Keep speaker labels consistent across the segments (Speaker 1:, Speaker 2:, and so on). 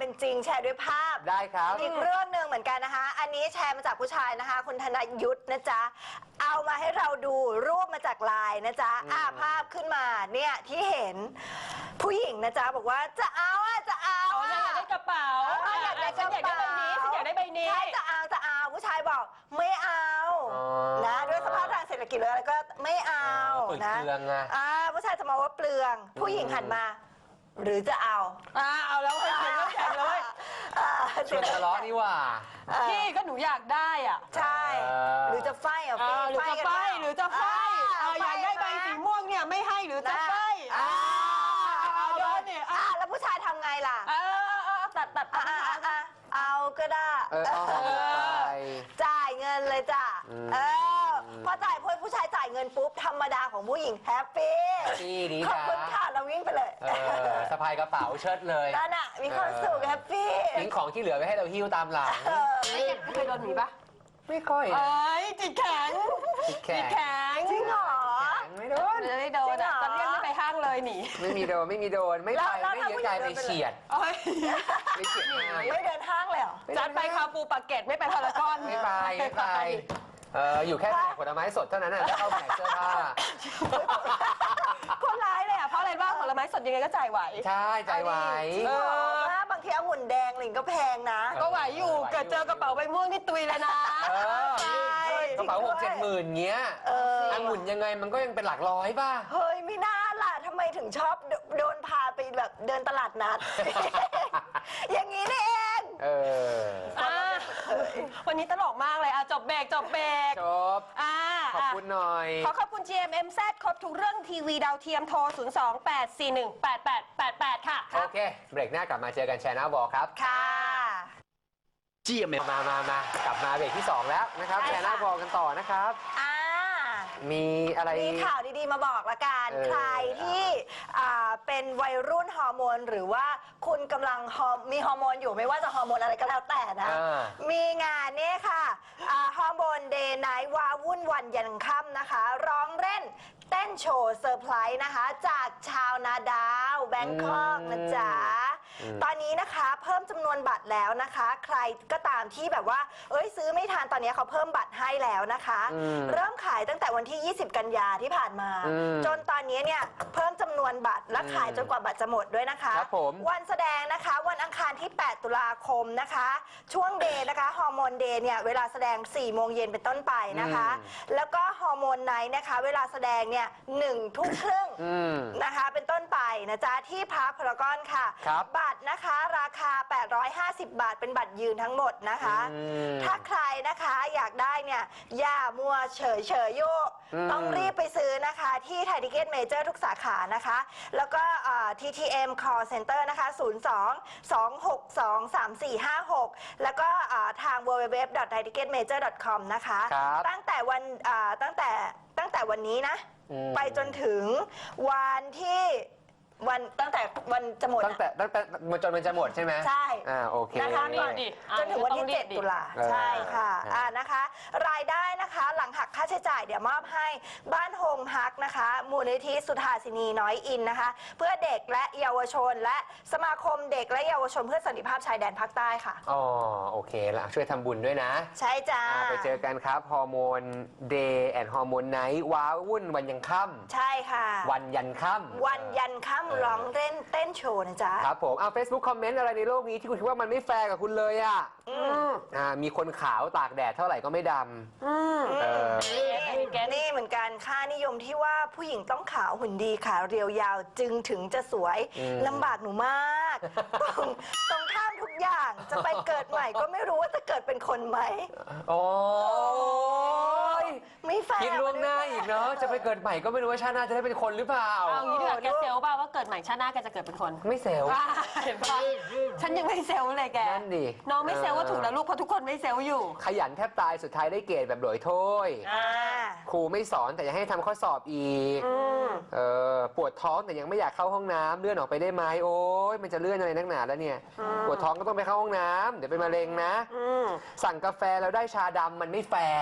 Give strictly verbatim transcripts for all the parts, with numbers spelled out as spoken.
Speaker 1: เป็นจริงแชร์ด้วยภาพ
Speaker 2: ได้ครับ
Speaker 1: อีกเรื่องหนึ่งเหมือนกันนะคะอันนี้แชร์มาจากผู้ชายนะคะคุณธนยุทธนะจ๊ะเอามาให้เราดูรูปมาจากไลน์นะจ๊ะอ่าภาพขึ้นมาเนี่ยที่เห็นผู้หญิงนะจ๊ะบอกว่าจะเอาอ่ะจะเอาอ่ะ
Speaker 3: อยากได้กระเป๋า
Speaker 1: อยากได้กระเป๋า
Speaker 3: อยากได้ใบนี้ฉันอยากได้ใบนี้
Speaker 1: ใช่จะเอาจะเอาผู้ชายบอกไม่เอานะด้วยสภาพทางเศรษฐกิจเลยแล้วก็ไม่เอานะอ่าผู้ชายจะมาว่าเปลืองผู้หญิงหันมาหรือจะเอา
Speaker 3: อ่าเอาแล้วเสียงแล้วแข็งเลย
Speaker 2: ชวนทะเลาะนี่ว่า
Speaker 3: พี่ก็หนูอยากได้อ่ะ
Speaker 1: ใช่หรือจะไฟอ่ะ
Speaker 3: หรือจะไฟหรือจะไฟอยากได้ใบสีม่วงเนี่ยไม่ให้หรือจะไฟ
Speaker 1: โดนเนี่ยแล้วผู้ชายทำไงล่ะ
Speaker 3: ตัดตัด
Speaker 1: เอาก็ได้จ่ายเงินเลยจ้ะเออพอจ่ายพอผู้ชายจ่ายเงินปุ๊บธรรมดาของผู้หญิงแฮปปี้
Speaker 2: ดี
Speaker 1: ขอบคุณค่ะเราวิ่งไปเลย
Speaker 2: สะพายกระเป๋าเชิดเลย
Speaker 1: นั่นน่ะมีความสุขแฮปปี้
Speaker 2: ทิ้งของที่เหลือไว้ให้เราหิ้วตามหลัง
Speaker 3: เคยโดนหนีปะ
Speaker 2: ไม่ค่อย
Speaker 3: เอ้ยจิตแข็ง
Speaker 2: จิตแข็ง
Speaker 1: จริงเหรอ
Speaker 2: ไม่โดน
Speaker 3: ไม่โดนตอนเรียกไม่ไปห้างเลยหนี
Speaker 2: ไม่มีโดนไม่มีโดนไม่ไปไม่เยอะใจไปเฉียด
Speaker 1: ไม่เฉียดไม่เดินห้างเลยเหรอ
Speaker 3: จัดไปคาปูปากเกร็ดไม่ไปพารากอน
Speaker 2: ไม่ไปไม่ไปเอออยู่แค่แผงผลไม้สดเท่านั้นน่ะแล้วเข้าแผงเสื้อผ้า
Speaker 3: คนร้ายเลยอ่ะเพราะอะไรบ้างผลไม้สดยังไงก็จ่ายไหว
Speaker 2: ใช่จ่ายไหว
Speaker 1: บางทีองุ่นแดงหลิงก็แพงนะ
Speaker 3: ก็ไหวอยู่เกิดเจอกระเป๋าใบม่วงนี่ตุยเลยนะ
Speaker 2: กระเป๋าหกเจ็ดหมื่นเงี้ยองุ่นยังไงมันก็ยังเป็นหลักร้อยป่ะ
Speaker 1: เฮ้ยไม่น่าล่ะทำไมถึงชอบโดนพาไปแบบเดินตลาดนัดอย่างนี้นี่เอง
Speaker 2: เออ
Speaker 3: วันนี้ตลกมากเลยอ่ะจบเบรกจบเบรก
Speaker 2: จบอ่าขอบคุณหน่อย
Speaker 3: ขอขอบคุณ จี เอ็ม เอ็ม แซด ครบทุกเรื่องทีวีดาวเทียมโทรศูนย์ สอง แปด สี่ หนึ่ง แปด แปด แปด แปดค่ะ
Speaker 2: โอเคเบรกหน้ากลับมาเจอกันแชร์หน้าบอลครับ
Speaker 1: ค่ะ
Speaker 2: จี เอ็ม เอ็ม มามามากลับมาเบรกที่สองแล้วนะครับแชร์หน้าบอลกันต่อนะครับ
Speaker 1: อ่า
Speaker 2: มีอะไร
Speaker 1: มีข่าวดีๆมาบอกละกันใครที่เป็นวัยรุ่นฮอร์โมนหรือว่าคุณกำลังมีฮอร์โมนอยู่ไม่ว่าจะฮอร์โมนอะไรก็แล้วแต่นะมีงานนี้ค่ะฮอร์โมนเดย์ไนท์วาวุ่นวันยันค่ำนะคะร้องเล่นเต้นโชว์เซอร์ไพรส์นะคะจากชาวนาดาวแบงคอกนะจ๊ะตอนนี้นะคะเพิ่มจำนวนบัตรแล้วนะคะใครก็ตามที่แบบว่าเอ้ยซื้อไม่ทันตอนนี้เขาเพิ่มบัตรให้แล้วนะคะเริ่มขายตั้งแต่วันที่ยี่สิบกันยาที่ผ่านมาจนตอนนี้เนี่ยเพิ่มจำนวนบัตรและขายจนกว่าบัตรจะหมดด้วยนะคะวันแสดงนะคะวันอังคารที่แปดตุลาคมนะคะช่วงเดย์นะคะฮอร์โมนเดย์เนี่ยเวลาแสดงสี่โมงเย็นเป็นต้นไปนะคะแล้วก็ฮอร์โมนไนท์นะคะเวลาแสดงเนี่ยหนึ่งทุ่มครึ่งนะคะเป็นต้นไปนะจ๊ะที่พาร์คพารากอนค่ะบัตรนะคะราคาแปดร้อยห้าสิบบาทเป็นบัตรยืนทั้งหมดนะคะถ้าใครนะคะอยากได้เนี่ยอย่ามัวเฉยเฉยโยกต้องรีบไปซื้อนะคะที่ไทยทิเก็ตเมเจอร์ทุกสาขานะคะแล้วก็ ที ที เอ็ม Call Center นะคะศูนย์ สอง สอง หก สอง สาม สี่ ห้า หกแล้วก็ทาง ดับเบิลยู ดับเบิลยู ดับเบิลยู ดอท ไทยทิเก็ตเมเจอร์ ดอท คอม นะคะตั้งแต่วันตั้งแต่ตั้งแต่วันนี้นะไปจนถึงวันที่วันตั้งแต่วันจะหมด
Speaker 2: ตั้งแต่ตั้งแต่จนมันจะหมดใช่ไหม
Speaker 1: ใช่
Speaker 2: อ่าโอเค
Speaker 1: นะคะก่อนจนถึงวันที่เจ็ดตุลาใช่ค่ะอ่านะคะรายได้นะคะหลังหักค่าใช้จ่ายเดี๋ยวมอบให้บ้านโฮมฮักนะคะมูลนิธิสุธาสินีน้อยอินนะคะเพื่อเด็กและเยาวชนและสมาคมเด็กและเยาวชนเพื่อสันติภาพชายแดนภาคใต้ค่ะ
Speaker 2: อ๋อโอเคละช่วยทำบุญด้วยนะ
Speaker 1: ใช่จ้า
Speaker 2: ไปเจอกันครับฮอร์โมนเดย์แอนด์ฮอร์โมนไนท์ว้าวุ่นวันยันค่ำ
Speaker 1: ใช่ค่ะ
Speaker 2: วันยันค่ำ
Speaker 1: วันยันค่ำร้องเล่นเต้นโชว์นะจ๊ะ
Speaker 2: ครับผมเอา Facebook คอมเมนต์อะไรในโลกนี้ที่คุณคิดว่ามันไม่แฟร์กับคุณเลยอ่ะอ่ามีคนขาวตากแดดเท่าไหร่ก็ไม่ดำอืมเออ
Speaker 1: นี่เหมือนกันค่านิยมที่ว่าผู้หญิงต้องขาวหุ่นดีขาเรียวยาวจึงถึงจะสวยลำบากหนูมากต้องต้องข้ามทุกอย่างจะไปเกิดใหม่ก็ไม่รู้ว่าจะเกิดเป็นคนไหม
Speaker 2: โอ้ย
Speaker 1: ไม่แฟร์
Speaker 2: คิดล่วงหน้าอีกเนาะจะไปเกิดใหม่ก็ไม่รู้ว่าชาติหน้าจะได้เป็นคนหรือเปล่า
Speaker 3: เอางี้ดีกว่าแกเซลป่ะว่าเกิดใหม่ชาติหน้าแกจะเกิดเป็นคน
Speaker 2: ไม่เซล
Speaker 3: เห็นป่ะฉันยังไม่เซลเลยแก
Speaker 2: นั่นดิ
Speaker 3: น้องไม่เซลว่าถูกแล้วลูกเพราะทุกคนไม่เซลอยู่
Speaker 2: ขยันแทบตายสุดท้ายได้เกรดแบบโดยโทษครูไม่สอนแต่ยังให้ทำข้อสอบอีกเออปวดท้องแต่ยังไม่อยากเข้าห้องน้ำเลื่อนออกไปได้ไหมโอ้ยมันจะเลื่อนอะไรนักหนาแล้วเนี่ยปวดท้องก็ต้องไปเข้าห้องน้ำเดี๋ยวเป็นมะเร็งนะสั่งกาแฟแล้วได้ชาดำมันไม่แฟร์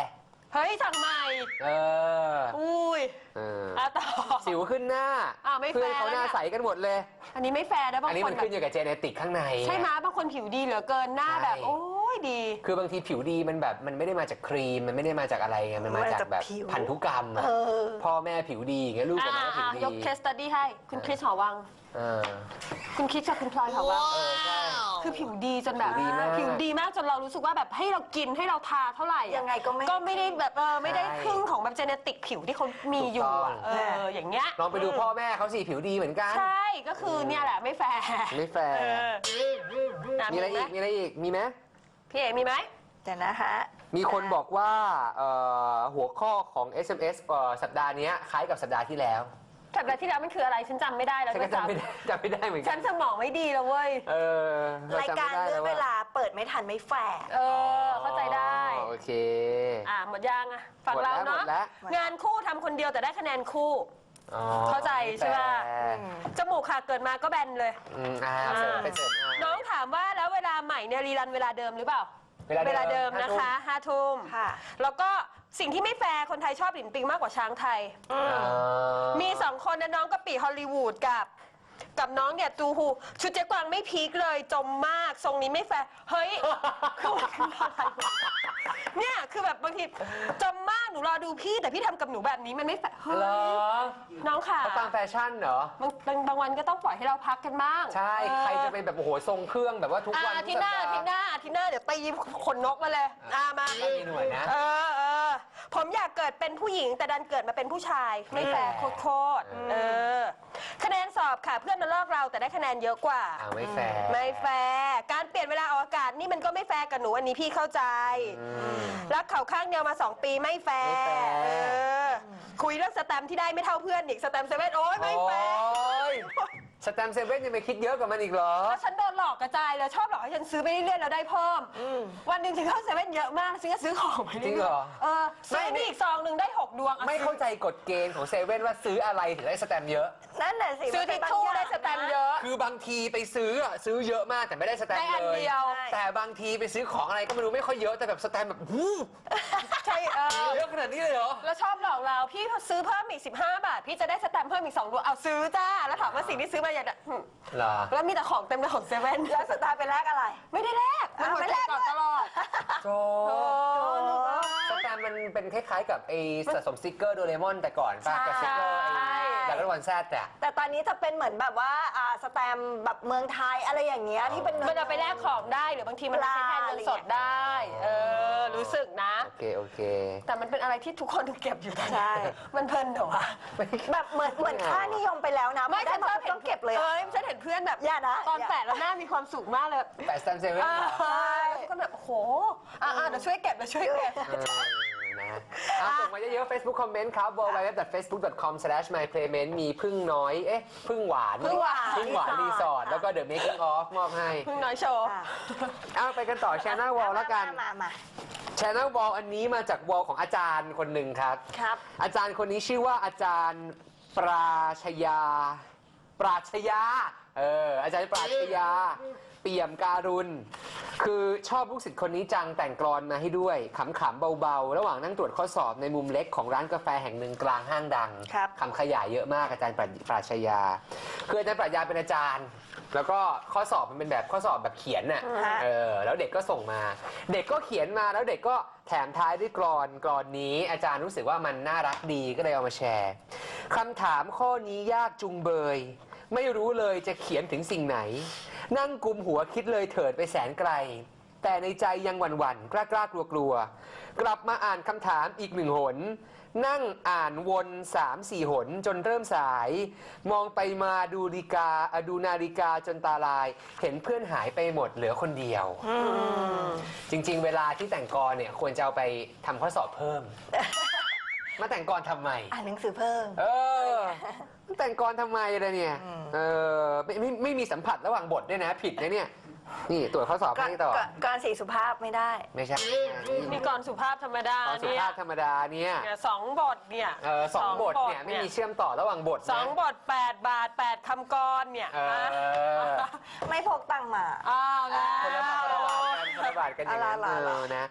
Speaker 3: เฮ้ยสั่งใหม่
Speaker 2: เออ
Speaker 3: อุ้ย
Speaker 2: เออ
Speaker 3: อ่ะต่อ
Speaker 2: สิวขึ้นหน้า
Speaker 3: อ่ะไม่แฟร์
Speaker 2: เพื่อนเขาหน้า
Speaker 3: แล้วเนี่ย
Speaker 2: ใสกันหมดเลย
Speaker 3: อันนี้ไม่แฟร์นะบาง
Speaker 2: อันนี้
Speaker 3: ค
Speaker 2: มัน น
Speaker 3: แบ
Speaker 2: ขึ้
Speaker 3: บ
Speaker 2: นอยู่กับเจเนติกข้างใน
Speaker 3: ใช่ไหมบางคนผิวดีเหลือเกินหน้าแบบ
Speaker 2: ใช่
Speaker 3: โอ้ยดี
Speaker 2: คือบางทีผิวดีมันแบบมันไม่ได้มาจากครีมมันไม่ได้มาจากอะไรไงมันมาจากแบบพันธุกรรมอะ
Speaker 1: เออ
Speaker 2: พ่อแม่ผิวดีอย่างเงี้ยลูก
Speaker 3: อ่า
Speaker 2: กับน้องผิว
Speaker 3: อ่า
Speaker 2: ดี
Speaker 3: ยกเคสตัดดี้ให้คุณคริสหอวัง
Speaker 2: เออ
Speaker 3: คุณคริสกับคุณพลอยหอวัง
Speaker 2: เออใช่
Speaker 3: คือผิวดีจนแบบ
Speaker 2: ผิวดีมาก
Speaker 3: ผิวดีมากจนเรารู้สึกว่าแบบให้เรากินให้เราทาเท่าไหร่อะ
Speaker 1: ยังไงก็ไม่
Speaker 3: ก็ไม่ได้แบบเออไม่ได้
Speaker 2: ใช่
Speaker 3: ครึ่งของแบบเจเนติกผิวที่เขามีอยู่อะ
Speaker 2: ถูกต้อง
Speaker 3: เอออย่างเงี้ย
Speaker 2: ลองไปดูพ่อแม่เขาสิผิวดีเหมือนกัน
Speaker 3: ใช่ก็คือเนี่ยแหละไม่แฟร์
Speaker 2: ไม่แฟร์
Speaker 3: เอออ่ะ
Speaker 2: มีอะไร
Speaker 3: ไห
Speaker 2: อีกมีอะไรอีกมีไหม
Speaker 3: พี่เอ๋มีไหม
Speaker 1: เดี๋ยวนะคะ
Speaker 2: มีคนบอกว่าเอ่อหัวข้อของ เอส เอ็ม เอส เอ่อสัปดาห์เนี้ยคล้ายกับสัปดาห์ที่แล้ว
Speaker 3: สัปดาห์ที่แล้วมันคืออะไรฉันจำไม่ได้แล้ว
Speaker 2: ฉันก็จำไม่ได้จำไม่ได้เหมือน
Speaker 3: ฉั
Speaker 2: กัน น
Speaker 3: สมองไม่ดีแล้วเว้ย
Speaker 2: เออเ
Speaker 1: ราย
Speaker 2: จำ
Speaker 1: การ
Speaker 2: ไม่ได้
Speaker 1: เลื่อน
Speaker 2: แ
Speaker 1: เวลาเปิดไม่ทันไม่แฝง
Speaker 3: เออเข้าใจได้
Speaker 2: อ๋อโอเค
Speaker 3: อ่ะหมดยังอ่ะฝั่งเรา
Speaker 2: หม
Speaker 3: เนาะ
Speaker 2: ดแล้ว
Speaker 1: หมดแล้ว
Speaker 3: งานคู่ทำคนเดียวแต่ได้คะแนนคู่
Speaker 2: อ๋อ
Speaker 3: เข้าใจใช่ปะ
Speaker 2: แฟร์
Speaker 3: จมูกค่ะเกิดมาก็แบนเลย
Speaker 2: อืมอ่าเสริมไปเสริมอ่า
Speaker 3: น้องถามว่าแล้วเวลาใหม่เนี่ยรีรันเวลาเดิมหรือเปล่า
Speaker 2: เวลาเดิม
Speaker 3: เวลาเดิมนะคะห้าทุ่ม
Speaker 1: ค่ะ
Speaker 3: แล้วก็สิ่งที่ไม่แฟร์คนไทยชอบหลินปิงมากกว่าช้างไทย
Speaker 2: อ่า
Speaker 3: มีสองคนนะน้องกะปิฮอลลีวูดกับ กับน้องเนี่ยจูฮูชุดเจ๊กวางไม่พีคเลยจมมากทรงนี้ไม่แฟร์เฮ้ย คือมันคืออะไรวะเนี่ยคือแบบบางทีจมมากหนูรอดูพี่แต่พี่ทำกับหนูแบบนี้มันไม่แฟร์เฮ้
Speaker 2: เหรอย
Speaker 3: น้องค่ะ
Speaker 2: เขาตามแฟชั่นเหรอบ
Speaker 3: างบางบางวันก็ต้องปล่อยให้เราพักกันบ้าง
Speaker 2: ใช่
Speaker 3: เออ
Speaker 2: ใครจะเป็นแบบโอ้โหทรงเครื่องแบบว่าทุก
Speaker 3: อ่า
Speaker 2: วัน
Speaker 3: อา
Speaker 2: ทุ
Speaker 3: ทิ
Speaker 2: ก
Speaker 3: ตย์ห
Speaker 2: สัป
Speaker 3: น้า
Speaker 2: ดา
Speaker 3: อาทิตย์ห
Speaker 2: ห์
Speaker 3: น้าอาทิตย์หน้าเดี๋ยวตีขนนกมาเลยอ่ามา
Speaker 2: ก็มีหน่วยนะ
Speaker 3: เออเออผมอยากเกิดเป็นผู้หญิงแต่ดันเกิดมาเป็นผู้ชาย ไม่แฟร์โคตรๆเออคะแนนสอบค่ะเพื่อนมาลอกเราแต่ได้คะแนนเยอะกว่า
Speaker 2: อ่าไม่แฟร์
Speaker 3: ไม่แฟร์การเปลี่ยนเวลาออกอากาศนี่มันก็ไม่แฟร์กับหนูอันนี้พี่เข้าใจ
Speaker 2: อืม
Speaker 3: รักเขาข้างเดียวมาสองปีไม่แฟร์
Speaker 2: ไม่แฟร์
Speaker 3: เออคุยเรื่องสแตมป์ที่ได้ไม่เท่าเพื่อนอีกสแตมป์เซเว่นโอ้ยไม่แฟร์
Speaker 2: โอ้ยสแตมป์เซเว่นยังไปคิดเยอะกว่ามันอีกเหรอ
Speaker 3: แล้วฉันโดนหลอกกระจายเลยชอบหลอกให้ฉันซื้อไปเรื่อยๆแล้วได้เพิ่ม วันหนึ่งฉันเข้าเซเว่นเยอะมากฉันก็ซื้อของไป
Speaker 2: จริ
Speaker 3: เรื่
Speaker 2: งเหร
Speaker 3: อย
Speaker 2: อ
Speaker 3: ๆเออซื้อ
Speaker 2: ไม่
Speaker 3: นี่อีกซองหนึ่งได้หกดวงอ่ะ
Speaker 2: ไม่เข้าใจกฎเกณฑ์ของเซเว่นว่าซื้ออะไรถึงได้สแตมป์เยอะ
Speaker 1: นั่นแหละสิ
Speaker 3: ซื้อทิชชู่ได้สแตมป์เยอะ
Speaker 2: คือบางทีไปซื้ออะซื้อเยอะมากแต่ไม่ได้สแตม
Speaker 3: ได้
Speaker 2: ป์
Speaker 3: อัน
Speaker 2: เลย
Speaker 3: เดียว
Speaker 2: แต่บางทีไปซื้อของอะไรก็ไม่รู้ไม่ค่อยเยอะแต่แบบสแตมป์แบบหู
Speaker 3: ใช่เออ
Speaker 2: เยอะขนาดนี้เลยเหรอ
Speaker 3: แล้วชอบหลอกเราพี่ซื้อเพิ่มอีกสิบห้าบาท พี่จะได้สแตมป์เพิ่มอีกสองดวงเอาซื้อจ้าแล้วถามว่าสิ่งที่ซื้อมาอย่างหึ
Speaker 2: เหรอ
Speaker 3: แล้วมีแต่ของเต็มเลยของเซเว่น
Speaker 1: แล้วสตาร์ไปแลกอะไร
Speaker 3: ไม่ได้แลกมันหมด
Speaker 1: ไม่
Speaker 3: แล
Speaker 1: แล
Speaker 3: ก
Speaker 1: ก
Speaker 3: ก่อนตลอด
Speaker 2: โจสแตมป์มันเป็นคล้ายๆกับไอ้สะสมสติกเกอร์โดเรมอนแต่ก่อนป่ะกับสติกเกอร์ไอ้ดาร์กวันแซดอะ
Speaker 1: แต่ตอนนี้จะเป็นเหมือนแบบว่าอ่าสแตมป์แบบเมืองไทยอะไรอย่างเงี้ยที่เป็น
Speaker 3: มันเอาไปแลกของได้หรือบางทีมันใช้แทนเงินสดได้ เออ รู้สึกนะ
Speaker 2: โอเคโอเค
Speaker 3: แต่มันเป็นอะไรที่ทุกคนเก็บอยู่ตอนนี้
Speaker 1: ใช่
Speaker 3: มันเพลินเหรอวะ
Speaker 1: แบบเหมือนเหมือนค่านิยมไปแล้วนะ
Speaker 3: ไม่
Speaker 1: ได้
Speaker 3: ฉัน
Speaker 1: มา
Speaker 3: ชอบเห็น
Speaker 1: ต้องเก็บเลย
Speaker 3: เอ
Speaker 1: อะ
Speaker 3: อฉันเห็นเพื่อนแบบ
Speaker 1: อย่านะ
Speaker 3: ตอน
Speaker 1: อย่า
Speaker 3: แปะแล้วหน้ามีความสุขมากเลย
Speaker 2: แปดสแตมป์เซเว่น
Speaker 3: เอ
Speaker 2: เหร
Speaker 3: อ
Speaker 2: อ
Speaker 3: ใช่ก็แบบโอ้โหอ่าเดี๋ยวช่วยเก็บเดี๋ยวช่วยเก็บ
Speaker 2: เออนะอ่ะส่งมาเยอะๆ Facebook คอมเมนต์ครับ ดับเบิลยู ดับเบิลยู ดับเบิลยู ดอท เฟซบุ๊ก ดอท คอม สแลช มาย เพลย์เมนต์ มีพึ่งน้อย เอ๊ะ พึ่งหวาน
Speaker 3: พึ่งหวาน
Speaker 2: พึ่งหวานรีสอร์ท แล้วก็ The Making of มอบให้
Speaker 3: เพิ่งน้อยโชว์
Speaker 1: อ่ะ
Speaker 2: เอาไปกันต่อ Channel Wall แล้วกัน
Speaker 1: มามามา
Speaker 2: Channel Wall อันนี้มาจาก Wall ของอาจารย์คนหนึ่งครับ
Speaker 1: ครับ
Speaker 2: อาจารย์คนนี้ชื่อว่าอาจารย์ปราชญาปราชญาเอออาจารย์ปราชญาเปี่ยมการุณ คือชอบลูกศิษย์คนนี้จังแต่งกลอนมาให้ด้วยขำๆเบาๆ ระหว่างนั่งตรวจข้อสอบในมุมเล็กของร้านกาแฟแห่งหนึ่งกลางห้างดัง
Speaker 1: ครับ
Speaker 2: คำขยายเยอะมากอาจารย์ปราปราชญาคืออาจารย์ปราชญาเป็นอาจารย์ แล้วก็ข้อสอบมันเป็นแบบข้อสอบแบบเขียนน่ะ
Speaker 1: ฮะ
Speaker 2: เออแล้วเด็กก็ส่งมา เด็กก็เขียนมาแล้วเด็กก็แถมท้ายด้วยกลอนกลอนนี้ อาจารย์รู้สึกว่ามันน่ารักดีก็เลยเอามาแชร์คำถามข้อนี้ยากจุงเบย ไม่รู้เลยจะเขียนถึงสิ่งไหน นั่งกุมหัวคิดเลยเถิดไปแสนไกล แต่ในใจยังหวั่นๆ กล้าๆ กลัวๆ กลับมาอ่านคำถามอีกหนึ่งหน นั่งอ่านวนสามสี่หนจนเริ่มสาย มองไปมาดูนาฬิกาอ่ะดูนาฬิกาจนตาลาย เห็นเพื่อนหายไปหมดเหลือคนเดียว จริงๆ เวลาที่แต่งกลอนเนี่ยควรจะเอาไปทำข้อสอบเพิ่ม มาแต่งกลอนทำไม
Speaker 1: อ่านหนังสือเพิ่ม
Speaker 2: เออแต่งกลทำไมล่ะเนี่ยเออไม่ไม่ไม่มีสัมผัสระหว่างบทด้วยนะ ผิดนะเนี่ย นี่ตรวจข้อสอบ
Speaker 1: ก่อน
Speaker 2: ให้ต่อ
Speaker 1: ก่อนก่อนสีสุภาพไม่ได้
Speaker 2: ไม่ใช่
Speaker 3: มีกรสุภาพธรรมดา
Speaker 2: ตอนสุ
Speaker 3: เนี่ย
Speaker 2: ภาพธรรมดาเนี่ย
Speaker 3: เนี่ยสองบทเนี่ย
Speaker 2: เออสองบทเนี่ยไม่มีเชื่อมต่อระหว่างบทนะ
Speaker 3: สองบทแปดบาทแปดคำกรเนี่ย
Speaker 2: เออ
Speaker 3: นะ
Speaker 1: ไม่พกตังค์มา
Speaker 3: อ้าวแล้ว
Speaker 2: คนละบาทคนละบาทกันคนละบาทกันอย่างนั้น
Speaker 1: อะไร
Speaker 2: เอ
Speaker 1: ล่ะ
Speaker 2: อนะ
Speaker 3: อ่า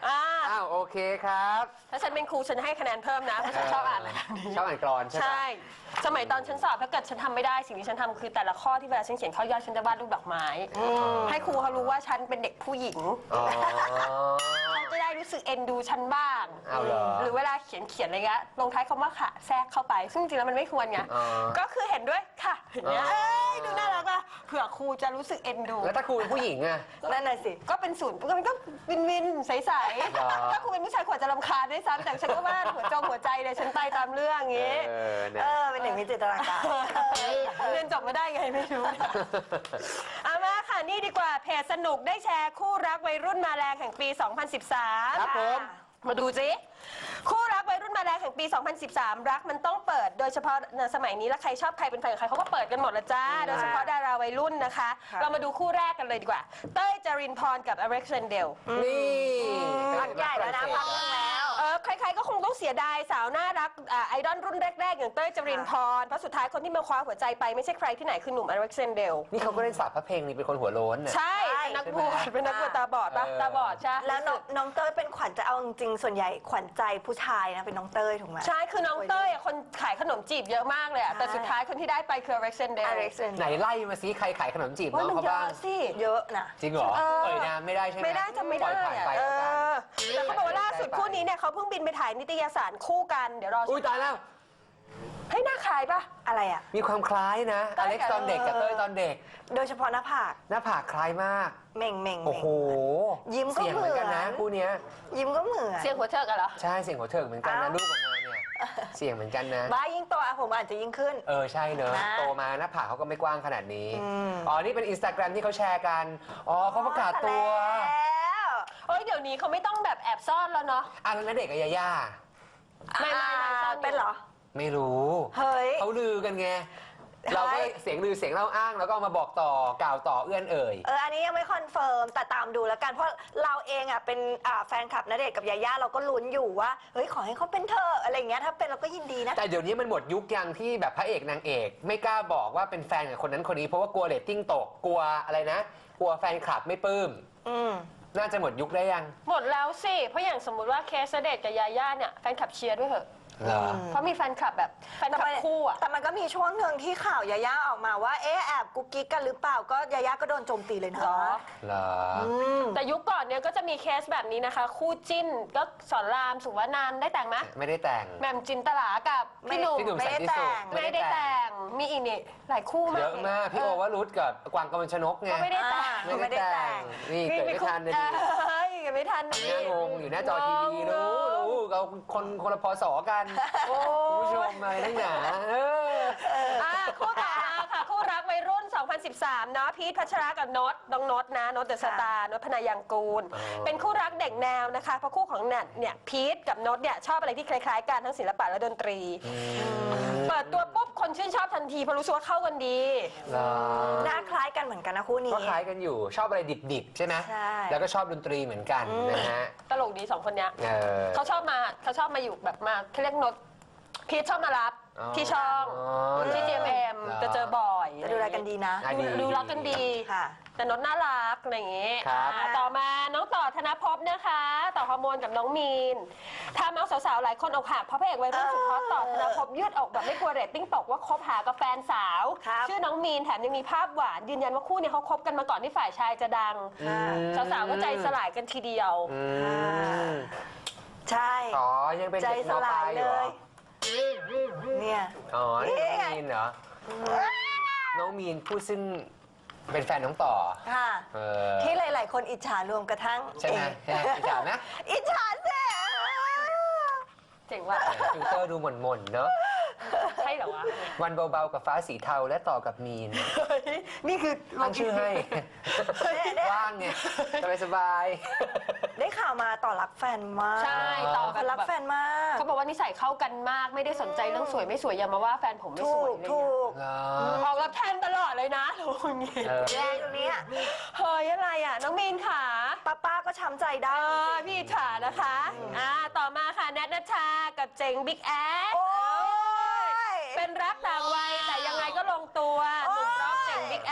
Speaker 2: อ้าวโอเคครับ
Speaker 3: ถ้าฉันเป็นครูฉันให้คะแนนเพิ่มนะเพราะฉันชอบอ่านอะไรแบบนี้
Speaker 2: ชอบอ่านกลอนใช่ไหม
Speaker 3: ใช่ สมัยตอนฉันสอบถ้าเกิดฉันทำไม่ได้สิ่งที่ฉันทำคือแต่ละข้อที่เวลาฉันเขียนข้อย่อยฉันจะวาดรูปดอกไม้ให้ครูเขารู้ว่าฉันเป็นเด็กผู้หญิง
Speaker 2: อ๋อ
Speaker 3: เขาจะได้รู้สึกเอ็นดูฉันบ้าง
Speaker 2: เอาเหรอ
Speaker 3: หรือเวลาเขียนเขียนอะไรเงี้ยลงท้ายคำว่าค่ะแทรกเข้าไป ซึ่งจริงๆแล้วมันไม่ควรไง
Speaker 2: อ๋อ
Speaker 3: ก็คือเห็นด้วยค่ะอย่างเงี้ย
Speaker 2: อ๋อ
Speaker 3: เอ้ยดูน่ารักอ่ะเผื่อครูจะรู้สึกเอ็นดู
Speaker 2: แล้วถ้าครูเป็นผู้หญิงอะ
Speaker 1: นั่นน่ะสิ
Speaker 3: ก็เป็นศูนย์มันก็วินวินใส
Speaker 2: เหรอ
Speaker 3: ๆถ้าครูเป็นผู้ชายขวดจะรำคาญด้วยซ้ำแต่ฉันก็ว่าหัวจงหัวใจเลยฉันไปตามเรื่องอย่างงี้
Speaker 2: เออนะ
Speaker 1: เออ เป็นหนึ่งมีจินตนาการ
Speaker 3: เรียนจบมาได้ไงไม่รู้ เอามาค่ะนี่ดีกว่าเพจสนุกได้แชร์คู่รักวัยรุ่นมาแรงแห่งปี สองพันสิบสาม
Speaker 2: ครับผม
Speaker 3: มาดูสิคู่รักวัยรุ่นมาแรงแห่งปี สองพันสิบสาม รักมันต้องเปิด โดยเฉพาะในสมัยนี้แล้วใครชอบใครเป็นแฟนกับใครเขาก็เปิดกันหมดละจ้า โดยเฉพาะดาราวัยรุ่นนะคะ
Speaker 1: ค่ะ
Speaker 3: เรามาดูคู่แรกกันเลยดีกว่า เต้ยจรินพรกับอเล็กซานเดล
Speaker 2: นี่
Speaker 1: พักใหญ่แล้วนะพักนึงแล้ว
Speaker 3: เออใครๆก็คงต้องเสียดายสาวน่ารักอ่าไอดอลรุ่นแรกๆ อย่างเต้ยจรินพร เพราะสุดท้ายคนที่มาคว้าหัวใจไปไม่ใช่ใครที่ไหนคือหนุ่มอเล็กซานเดล
Speaker 2: นี่เขาก็เล่นสาบพระเพลงนี่เป็นคนหัวโล้นน่ะ
Speaker 3: ใช่เป็นนักบวชเป็นนักบวชตาบอดปะ
Speaker 2: เออ
Speaker 3: ตาบอดใช่
Speaker 1: แล้วน้องน้องเต้ยเป็นขวัญใจเอาจริงๆส่วนใหญ่ขวัญใจผู้ชายนะเป็นน้องเต้ยถูกไหม
Speaker 3: ใช่คือน้องเต้ยอะคนขายขนมจีบเยอะมากเลยอะ
Speaker 1: ใช่
Speaker 3: แต่สุดท้ายคนที่ได้ไปคืออเล็กซานเดล
Speaker 1: อเล็กซาน
Speaker 2: ไหนไล่มาซิใครขายขนมจีบน้
Speaker 3: ว่า
Speaker 2: อง
Speaker 3: มัน
Speaker 2: เขา
Speaker 3: เย
Speaker 2: บ้า
Speaker 3: อะ
Speaker 2: ง
Speaker 3: สิ
Speaker 1: เยอะนะ
Speaker 2: จริงเหรอ
Speaker 3: เออ
Speaker 2: เอ่ยนามไม่ได้ใช่ไหม
Speaker 3: ไม่ได้จำไม่ได้
Speaker 2: ปล่อยผ่าน
Speaker 3: อะ
Speaker 2: ไป
Speaker 3: เอ
Speaker 2: แล้วกัน
Speaker 3: อแต่เขาบอกว่าล่าสุดคู่นี้เนี่ยเขาเพิ่งบินไปถ่ายนิตยสารคู่กันเดี๋ยวรอ
Speaker 2: อุ้ยตายแล้ว
Speaker 3: เฮ้ยหน้าคล้ายปะ
Speaker 1: อะไรอ่ะ
Speaker 2: มีความคล้ายนะ
Speaker 3: เต้
Speaker 2: อย เล็กซ์ตอนเด็กกับเต้ยตอนเด็ก
Speaker 1: โดยเฉพาะหน้าผาก
Speaker 2: หน้าผากคล้ายมาก
Speaker 1: เม่งเม่ง
Speaker 2: โอ้โห
Speaker 1: ยิ้มก็
Speaker 2: เสียงเหมือนกันนะ
Speaker 1: เหมือน
Speaker 2: คู่เนี้ย
Speaker 1: ยิ้มก็เหมือน
Speaker 3: เสียงหัวเถิกอะเหรอ
Speaker 2: ใช่เสียงหัวเถิกเหมือนกันนะ
Speaker 1: อ้าว
Speaker 2: ลูกออกมาเนี่ยเสียงเหมือนกันนะ
Speaker 1: บ้ายิ่งโตอะผมอาจจะยิ่งขึ้น
Speaker 2: เออใช่เนอะ
Speaker 1: นะ
Speaker 2: โตมาหน้าผากเขาก็ไม่กว้างขนาดนี้
Speaker 1: อืม
Speaker 2: อ๋อนี่เป็นอินสตาแกรมที่เขาแชร์กันอ๋อเขาประกาศตัว
Speaker 1: แล้ว
Speaker 3: เฮ้ยเดี๋ยวนี้เขาไม่ต้องแบบแอบซ่อนแล้วเนาะ
Speaker 2: อ่ะแล้วณเด็กกับยาย่า
Speaker 3: ไม่ไม่ไม่ซ่อนอยู่
Speaker 1: เป็นเหรอ
Speaker 2: ไม่รู้
Speaker 1: เฮ้ย
Speaker 2: เขาลือกันไงเราก็เสียงลือเสียงเล่าอ้างแล้วก็เอามาบอกต่อกล่าวต่อเอื้อนเอ่ย
Speaker 1: เออ อันนี้ยังไม่คอนเฟิร์ม แต่ตามดูแล้วกัน เพราะเราเองอ่ะเป็นอ่าแฟนคลับณเดชน์กับยาย่าเราก็ลุ้นอยู่ว่า เฮ้ย ขอให้เขาเป็นเธออะไรอย่างเงี้ย ถ้าเป็นเราก็ยินดีนะ
Speaker 2: แต่เดี๋ยวนี้มันหมดยุคยังที่แบบพระเอกนางเอก ไม่กล้าบอกว่าเป็นแฟนกับคนนั้นคนนี้เพราะว่ากลัวเรตติ้งตกกลัวอะไรนะ กลัวแฟนคลับไม่ปลื้ม
Speaker 1: อืม
Speaker 2: น่าจะหมดยุคได้ยัง
Speaker 3: หมดแล้วสิ เพราะอย่างสมมุติว่าเคสณเดชน์กับยาย่าเนี่ยแฟนคลับเชียร์ด้วยเหอะ
Speaker 2: เหรอ
Speaker 3: เพราะมีแฟนคลับแบบแฟนคลับคู่อะ
Speaker 1: แต่มันก็มีช่วงหนึ่งที่ข่าวยาย่าออกมาว่า เอ๊ะ แอบกุ๊กกิ๊กกันหรือเปล่า ก็ยาย่าก็โดนโจมตีเลยนะ
Speaker 3: เหรอ
Speaker 2: เหรอ
Speaker 1: อืม
Speaker 3: แต่ยุคก่อนเนี่ยก็จะมีเคสแบบนี้นะคะ คู่จิ้นก็สอนรามสุวรรณันท์ได้แต่งไหม
Speaker 2: ไม่ได้แต่ง
Speaker 3: แหม่มจินตลากับพี่หนุ่ม
Speaker 2: พี่หนุ่ม
Speaker 1: ไม่
Speaker 2: สัน
Speaker 1: ได้
Speaker 2: ติ
Speaker 1: แต่
Speaker 2: สุข
Speaker 1: ง
Speaker 3: ไม่ได้แต่งมีอีกนี่หลายคู่มาก
Speaker 2: เยอะมากพี่โอวรุธกับกวางกมลชนกไง
Speaker 3: ก็ไม่ได้แต่ง
Speaker 1: อ่า
Speaker 2: ไม่ได้แต่งนี่เกิดไม่ทันนะดิ
Speaker 3: เฮ้ยเกิดไม่ทันนะ
Speaker 2: น่างงอยู่หน้าจอทีวีรู้รู้เราคนคนละพศกัน
Speaker 3: โอ้
Speaker 2: คุณผู้ชมอะไรทั้งหนาเออ
Speaker 3: อ่ะคู่ต่อมาค่ะ คู่รักวัยรุ่น สองพันสิบสาม เนาะพีทพัชรากับโนตน้องโนตนะโนตเดอะสตาร์โนตพนายังกูล
Speaker 2: อ๋อ
Speaker 3: เป็นคู่รักเด็กแนวนะคะ เพราะคู่ของเน็ตเนี่ยพีทกับโนตเนี่ยชอบอะไรที่คล้ายๆกันทั้งศิลปะและดนตรี เปิดตัวปุ๊บคนชื่นชอบทันทีเพราะรู้สึกว่าเข้ากันดี
Speaker 2: เหรอ
Speaker 1: หน้าคล้ายกันเหมือนกันนะคู่นี้
Speaker 2: ก็คล้ายกันอยู่ชอบอะไรดิบๆ ใช่ไหม
Speaker 1: ใช่
Speaker 2: แล้วก็ชอบดนตรีเหมือนกันนะฮะ
Speaker 3: ตลกดีสองคนเนี้ย
Speaker 2: เออ
Speaker 3: เขาชอบมาเขาชอบมาอยู่แบบมาเขาเรียกโนตพีทชอบมารับ
Speaker 2: อ๋อ
Speaker 3: ที่ช่อง
Speaker 2: อ๋อ
Speaker 3: ที่ จี เอ็ม เอ็ม
Speaker 2: เหรอ
Speaker 3: จะเจอบ่อย
Speaker 1: จะดูแลกันดีนะ
Speaker 2: อ่ะดี
Speaker 3: ดูรักกันดี
Speaker 1: ค่ะ
Speaker 3: แต่โนตน่ารักอะไรอย่างงี้
Speaker 2: ครับ
Speaker 3: อ่าต่อมาน้องต่อธนภพนะคะ ต่อฮอร์โมนกับน้องมีนทำเอาสาวๆหลายคนอกหักเพราะพระเอกวัยรุ่นสุดฮอตต่อธนภพยืดอกแบบไม่กลัวเรตติ้งตกว่าคบหากับแฟนสาว
Speaker 1: ครับ
Speaker 3: ชื่อน้องมีนแถมยังมีภาพหวานยืนยันว่าคู่เนี้เขาคบกันมาก่อนที่ฝ่ายชายจะดัง
Speaker 2: อืม
Speaker 3: สาวๆก็ใจสลายกันทีเดียว
Speaker 2: อืม
Speaker 1: ใช่
Speaker 2: อ๋อ ยังเป็น
Speaker 1: ใจ
Speaker 2: เด็ก
Speaker 1: ส
Speaker 2: มป
Speaker 1: ลา
Speaker 2: ลาย ยอ
Speaker 1: เล
Speaker 2: ยู่เหร
Speaker 1: ย
Speaker 2: อ
Speaker 1: เนี่ย
Speaker 2: อ๋อนี่
Speaker 1: นี่
Speaker 2: น้อง
Speaker 1: ไง
Speaker 2: มีนเหรอ น้องมีนผู้ซึ่งเป็นแฟนน้องต่อ
Speaker 1: ค่ะ
Speaker 2: เออ
Speaker 1: ที่หลาย ๆ คนอิจฉารวมกระทั่ง
Speaker 2: ใช่ไหม
Speaker 1: เอง
Speaker 2: ใช่ไหมอิจฉาไหม
Speaker 1: อิจฉาสิ
Speaker 3: เจ๋งว่ะ
Speaker 2: ฟิลเตอร์ดูหม่นๆ เนอะ
Speaker 3: ใช่เหรอวะ
Speaker 2: วันเบาๆ กับฟ้าสีเทาและต่อกับมีน
Speaker 3: เฮ้ยนี่คือ
Speaker 2: ตั้งชื่อให้ ว่างไงสบาย
Speaker 1: ได้ข่าวมาต่อรักแฟนมาก
Speaker 3: ใช่ต่อ
Speaker 1: เขารักแฟนมาก
Speaker 3: เขาบอกว่านิสัยเข้ากันมากไม่ได้สนใจเรื่องสวยไม่สวยอย่ามาว่าแฟนผมไม่
Speaker 1: ถู
Speaker 3: สวย
Speaker 1: ก
Speaker 3: อะไร
Speaker 1: ถู
Speaker 3: เงี้ย
Speaker 1: ก
Speaker 2: ๆเหรอ
Speaker 3: ออกรับแทนตลอดเลยนะโอ้ยงี้
Speaker 2: เออ
Speaker 1: แรงตรงเนี้ย
Speaker 3: เฮ้ยอะไรอ่ะ น้องมีนค่ะ
Speaker 1: ป้าป้าก็ช้ำใจ
Speaker 3: เอ
Speaker 1: ได้
Speaker 3: อพี่อิจฉานะคะอ่าต่อมาค่ะแนทนัชชากับเจ๋งบิ๊กแอด
Speaker 1: โอ้ย
Speaker 3: เป็นรักต่างวัยแต่ยังไงก็ลงตัวหนุ่มร็อกเจ๋งบิ๊กแอสนะคะ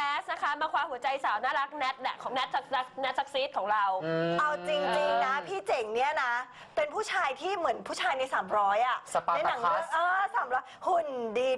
Speaker 3: คะมาคว้าหัวใจสาวน่ารักแนทแหละของแนทจากแนทซักซีดของเรา
Speaker 1: เอาจริงๆนะพี่เจ๋งเนี่ยนะเป็นผู้ชายที่เหมือนผู้ชายในสามร้อยอ่ะ
Speaker 2: สปาร์ตาคัส
Speaker 1: ในหนังเรื่องเออสามร้อยหุ่นดี